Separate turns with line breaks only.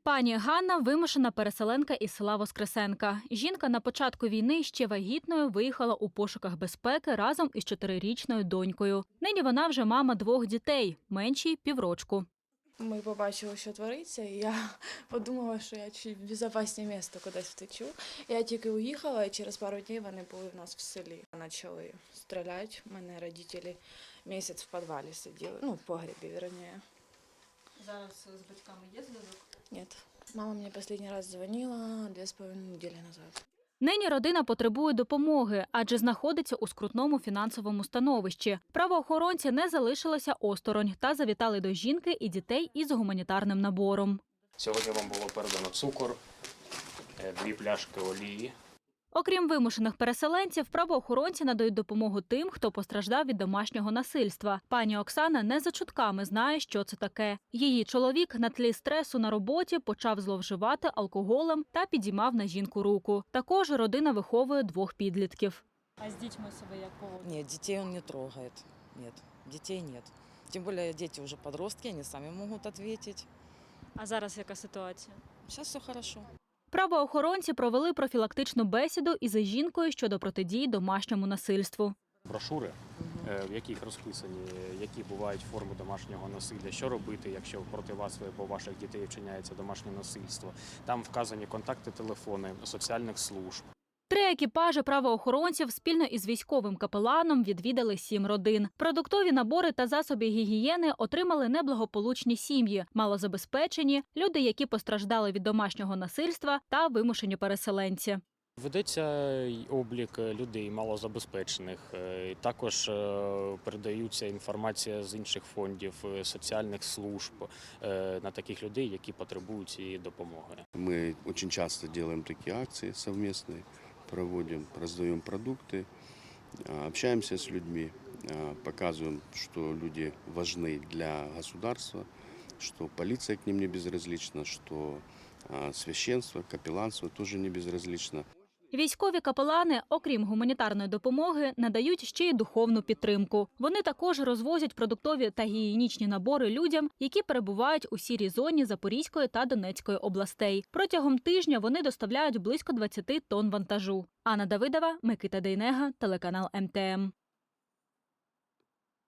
Пані Ганна – вимушена переселенка із села Воскресенка. Жінка на початку війни ще вагітною виїхала у пошуках безпеки разом із 4-річною донькою. Нині вона вже мама 2 дітей, меншій – піврочку.
Ми побачили, що твориться, і я подумала, що я чуть безпечне місце кудись втечу. Я тільки уїхала, і через пару днів вони були в нас в селі. Почали стріляти. У мене батьки місяць в підвалі сиділи, в погребі, вірніше.
Зараз з батьками є зв'язок?
Ні. Мама мені останній раз дзвонила 2,5 неділі назад.
Нині родина потребує допомоги, адже знаходиться у скрутному фінансовому становищі. Правоохоронці не залишилися осторонь та завітали до жінки і дітей із гуманітарним набором.
Сьогодні вам було передано цукор, 2 пляшки олії.
Окрім вимушених переселенців, правоохоронці надають допомогу тим, хто постраждав від домашнього насильства. Пані Оксана не за чутками знає, що це таке. Її чоловік на тлі стресу на роботі почав зловживати алкоголем та підіймав на жінку руку. Також родина виховує 2 підлітків.
А с детьми себе як поводит?
Нет, детей он не трогает. Нет, детей нет. Тем более дети уже подростки, они сами могут ответить.
А зараз яка ситуація?
Сейчас все хорошо.
Правоохоронці провели профілактичну бесіду із жінкою щодо протидії домашньому насильству.
Брошури, в яких розписані, які бувають форми домашнього насилля, що робити, якщо проти вас або ваших дітей вчиняється домашнє насильство. Там вказані контакти, телефони соціальних служб.
3 екіпажі правоохоронців спільно із військовим капеланом відвідали 7 родин. Продуктові набори та засоби гігієни отримали неблагополучні сім'ї, малозабезпечені, люди, які постраждали від домашнього насильства та вимушені переселенці.
Ведеться облік людей малозабезпечених, також передаються інформація з інших фондів, соціальних служб на таких людей, які потребують цієї допомоги.
Мы очень часто делаем такие акции совместные, проводим, раздаем продукты, общаемся с людьми, показываем, что люди важны для государства, что полиция к ним не безразлична, что священство, капелланство тоже не безразлично.
Військові капелани, окрім гуманітарної допомоги, надають ще й духовну підтримку. Вони також розвозять продуктові та гігієнічні набори людям, які перебувають у сірій зоні Запорізької та Донецької областей. Протягом тижня вони доставляють близько 20 тонн вантажу. Анна Давидова, Микита Дейнега, телеканал МТМ.